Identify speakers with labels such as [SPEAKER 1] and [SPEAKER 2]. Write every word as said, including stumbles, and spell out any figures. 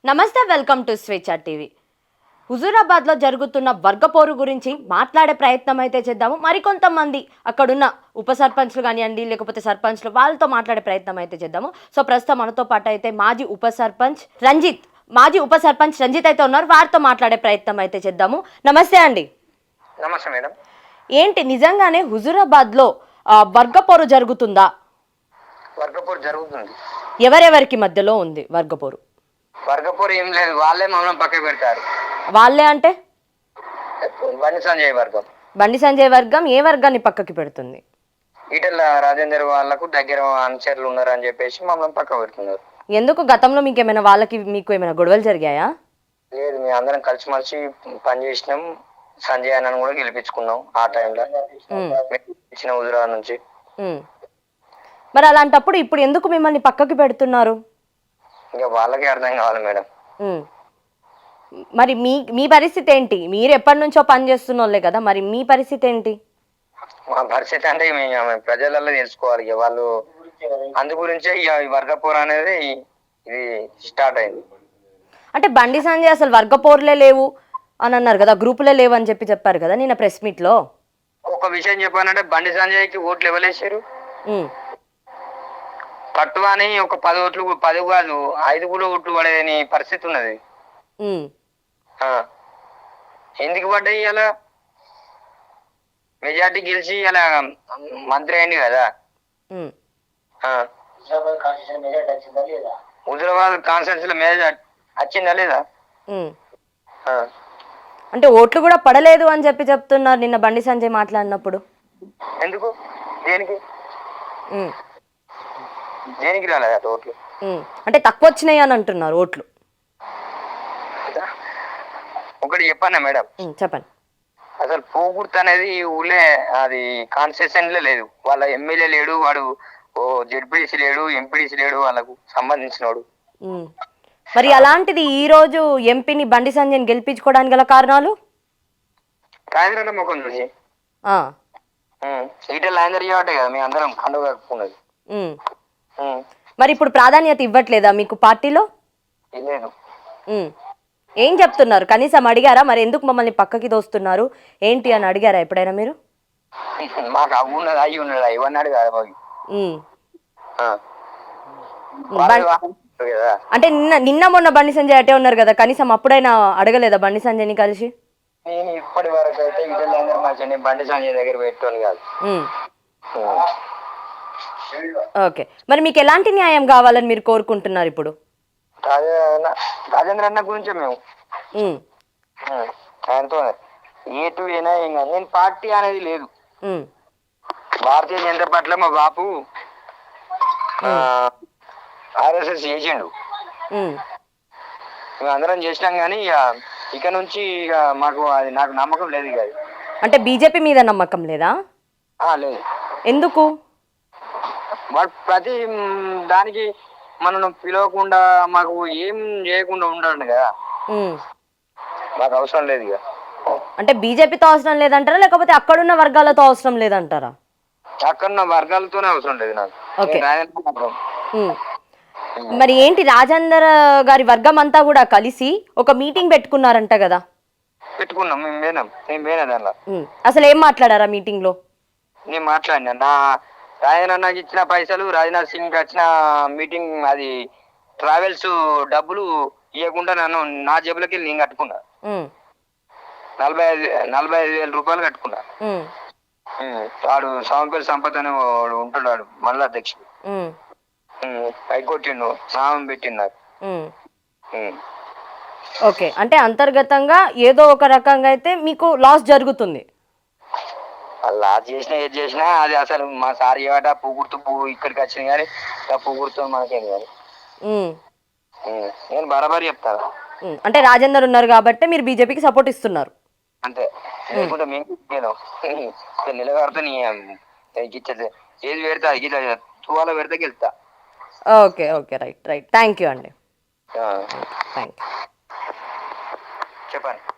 [SPEAKER 1] నమస్తే, welcome to Swecha TV. హుజూరాబాద్లో జరుగుతున్న వర్గపోరు గురించి మాట్లాడే ప్రయత్నం అయితే చేద్దాము. మరికొంతమంది అక్కడున్న ఉప సర్పంచ్లు కానివ్వండి, లేకపోతే సర్పంచ్లు, వాళ్ళతో మాట్లాడే ప్రయత్నం అయితే చేద్దాము. సో ప్రస్తుతం మనతో పాటు అయితే మాజీ ఉప సర్పంచ్ రంజిత్ మాజీ ఉప సర్పంచ్ రంజిత్ అయితే ఉన్నారు. వారితో మాట్లాడే ప్రయత్నం అయితే చేద్దాము. నమస్తే అండి.
[SPEAKER 2] నమస్తే మేడం.
[SPEAKER 1] ఏంటి నిజంగానే హుజూరాబాద్లో వర్గపోరు జరుగుతుందా?
[SPEAKER 2] వర్గపోరు జరుగుతుంది.
[SPEAKER 1] ఎవరెవరికి మధ్యలో ఉంది వర్గపోరు?
[SPEAKER 2] వర్గపోరు ఏం లేదు, వాళ్ళే మమ్మల్ని పక్క పెడతారు.
[SPEAKER 1] వాళ్ళే అంటే
[SPEAKER 2] బండి సంజయ్ వర్గం.
[SPEAKER 1] బండి సంజయ్ వర్గం ఏ వర్గాన్ని పక్కకి పెడుతుంది?
[SPEAKER 2] ఈటెల రాజేందర్ వాళ్ళకు దగ్గర అనుచరులు ఉన్నారు అని చెప్పేసి మమ్మల్ని పక్క పెడుతున్నారు.
[SPEAKER 1] ఎందుకు? గతంలో మీకు ఏమైనా వాళ్ళకి మీకు ఏమైనా గొడవలు జరిగాయా?
[SPEAKER 2] లేదు, మేము అందరం కలిసి మలిసి పనిచేసినాం. సంజయ్ అన్నను కూడా గెలిపించుకున్నాం ఆ టైంలో ఇచ్చిన హుజూరాబాద్ నుంచి.
[SPEAKER 1] మరి అలాంటప్పుడు ఇప్పుడు ఎందుకు మిమ్మల్ని పక్కకి పెడుతున్నారు?
[SPEAKER 2] ఇంకా వాళ్ళకే అర్థం కావాలి మేడం.
[SPEAKER 1] మరి మీ మీ పరిస్థితి ఏంటి? మీరు ఎప్పటి నుంచో పని చేస్తున్న వాళ్ళే కదా, మరి మీ పరిస్థితి ఏంటి?
[SPEAKER 2] మా పరిస్థితి అంటే మేము ప్రజలలో తెలుసుకోవాలి. ఇక వాళ్ళు అందు గురించే ఇక వర్గపోరు అనేది ఇది స్టార్ట్ అయింది.
[SPEAKER 1] అంటే బండి సంజయ్ అసలు వర్గపోర్లే లేవు అని అన్నారు కదా, గ్రూపులే లేవు అని చెప్పి చెప్పారు కదా నిన్న ప్రెస్ మీట్ లో.
[SPEAKER 2] ఒక విషయం చెప్పానంటే బండి సంజయ్కి ఓట్లు ఇవ్వలేసారు. పట్టు అని ఒక పది ఓట్లు, పది కాదు ఐదు కూడా ఓట్లు పడేని పరిస్థితి ఉన్నది. ఎందుకు పడ్డాయి? అలా మెజార్టీ గెలిచి అలా మంత్రి అయింది కదా. హుజూరాబాద్ కాన్స్టిట్యూన్సీ లో మెజార్టీ వచ్చిందా లేదా?
[SPEAKER 1] అంటే ఓట్లు కూడా పడలేదు అని చెప్పి చెప్తున్నారు నిన్న బండి సంజయ్ మాట్లాడినప్పుడు.
[SPEAKER 2] ఎందుకు? దేనికి దేనికి రాలేదు ఓట్లు?
[SPEAKER 1] అంటే తక్కువ వచ్చినాయి అని అంటున్నారు ఓట్లు.
[SPEAKER 2] ఒకటి చెప్పన్నా మేడం,
[SPEAKER 1] చెప్పండి.
[SPEAKER 2] అసలు పోగుర్తు అనేది ఊళ్ళే అది కాన్స్టిట్యూషన్ లో లేదు. వాళ్ళ ఎమ్మెల్యే లేడు, వాడు ఓ జెడ్పీడీసీ లేడు, ఎంపీడీసీ లేడు వాళ్ళకు సంబంధించినోడు.
[SPEAKER 1] మరి అలాంటిది ఈ రోజు ఎంపీని బండి సంజయ్ని గెలిపించుకోవడానికి గల కారణాలు?
[SPEAKER 2] రాజేంద్ర ముఖం చూసి ఈటెల రాజేందర్ చేయబట్టే కదా మేము అందరం కండువ కట్టుకున్నది.
[SPEAKER 1] మరి ఇప్పుడు ప్రాధాన్యత ఇవ్వట్లేదా మీకు పార్టీలో?
[SPEAKER 2] లేదు.
[SPEAKER 1] ఏం చెప్తున్నారు? కనీసం అడిగారా మరి ఎందుకు మమ్మల్ని పక్కకి దోస్తున్నారు ఏంటి అని అడిగారా ఎప్పుడైనా మీరు?
[SPEAKER 2] మాకు అవి ఉన్నది అవి ఉన్నది ఇవన్నాడు కదా.
[SPEAKER 1] అంటే నిన్న నిన్న మొన్న బండి సంజయ్ అటే ఉన్నారు కదా, కనీసం అప్పుడైనా అడగలేదా బండి సంజయ్ని కలిసి?
[SPEAKER 2] నేను ఇప్పటి వరకు అయితే ఈటెల మంచి బండి సంజయ్ దగ్గర పెట్టాను కాదు.
[SPEAKER 1] ఓకే, మరి మీకు ఎలాంటి న్యాయం కావాలని మీరు కోరుకుంటున్నారు ఇప్పుడు?
[SPEAKER 2] రాజేంద్ర అన్న గురించే మేము ఆయనతో ఏటు ఏనా ఏం కాదు. నేను పార్టీ అనేది లేదు. భారతీయ జనతా పార్టీలో మా బాపు ఆర్ఎస్ఎస్ చేసిండు, మేము అందరం చేసినాం. కానీ ఇక ఇక నుంచి ఇక మాకు అది నాకు నమ్మకం లేదు. ఇక
[SPEAKER 1] అంటే బీజేపీ మీద నమ్మకం లేదా?
[SPEAKER 2] లేదు.
[SPEAKER 1] ఎందుకు?
[SPEAKER 2] వాడు ప్రతి దానికి మనను పిలవకుండా మాకు ఏం చేయకుండా ఉండండి కదా, మాకు అవసరం లేదు. ఇక
[SPEAKER 1] అంటే బీజేపీతో అవసరం లేదంటారా, లేకపోతే అక్కడున్న వర్గాలతో అవసరం లేదంటారా?
[SPEAKER 2] అక్కడున్న వర్గాలతోనే అవసరం లేదు నాకు.
[SPEAKER 1] మరి ఏంటి రాజేందర్ గారి వర్గం అంతా కూడా కలిసి ఒక మీటింగ్ పెట్టుకున్నారంట కదా?
[SPEAKER 2] పెట్టుకున్నాం, మేము పోయినాం. మేము పోయినా దానిలో.
[SPEAKER 1] అసలు ఏం మాట్లాడారా మీటింగ్ లో?
[SPEAKER 2] నేను మాట్లాడినా. నా రాజేంద్ర నాకు ఇచ్చిన పైసలు, రాజ్నాథ్ సింగ్ వచ్చిన మీటింగ్ అది ట్రావెల్స్ డబ్బులు ఇవ్వకుండా నన్ను నా జేబులకి నేను కట్టుకున్నా. నలభై ఐదు నలభై ఐదు వేల రూపాయలు కట్టుకున్నా. వాడు సామంపల్లి సంపత్ అని వాడు ఉంటున్నాడు మండల అధ్యక్షుడు. పైకొట్టిండు, నామం పెట్టిండు నాకు.
[SPEAKER 1] ఓకే, అంటే అంతర్గతంగా ఏదో ఒక రకంగా అయితే మీకు లాస్ జరుగుతుంది.
[SPEAKER 2] లాస్ చేసినా ఏది చేసినా అది అసలు మా సార్ ఏవాట పువ్వుర్తు పువ్వు ఇక్కడికి వచ్చింది కానీ ఆ పువ్వుర్తు మనకేం కాదు. నేను బరాబరి చెప్తాను.
[SPEAKER 1] అంటే రాజేందర్ ఉన్నారు కాబట్టి మీరు బీజేపీకి సపోర్ట్ ఇస్తున్నారు
[SPEAKER 2] అంతే. లేకుంటే మేము నిలబడితే ఏది పెడతా గిట్లా తువాల పెడితే గెలుతా.
[SPEAKER 1] Okay okay right right thank you అండి.
[SPEAKER 2] చెప్పండి.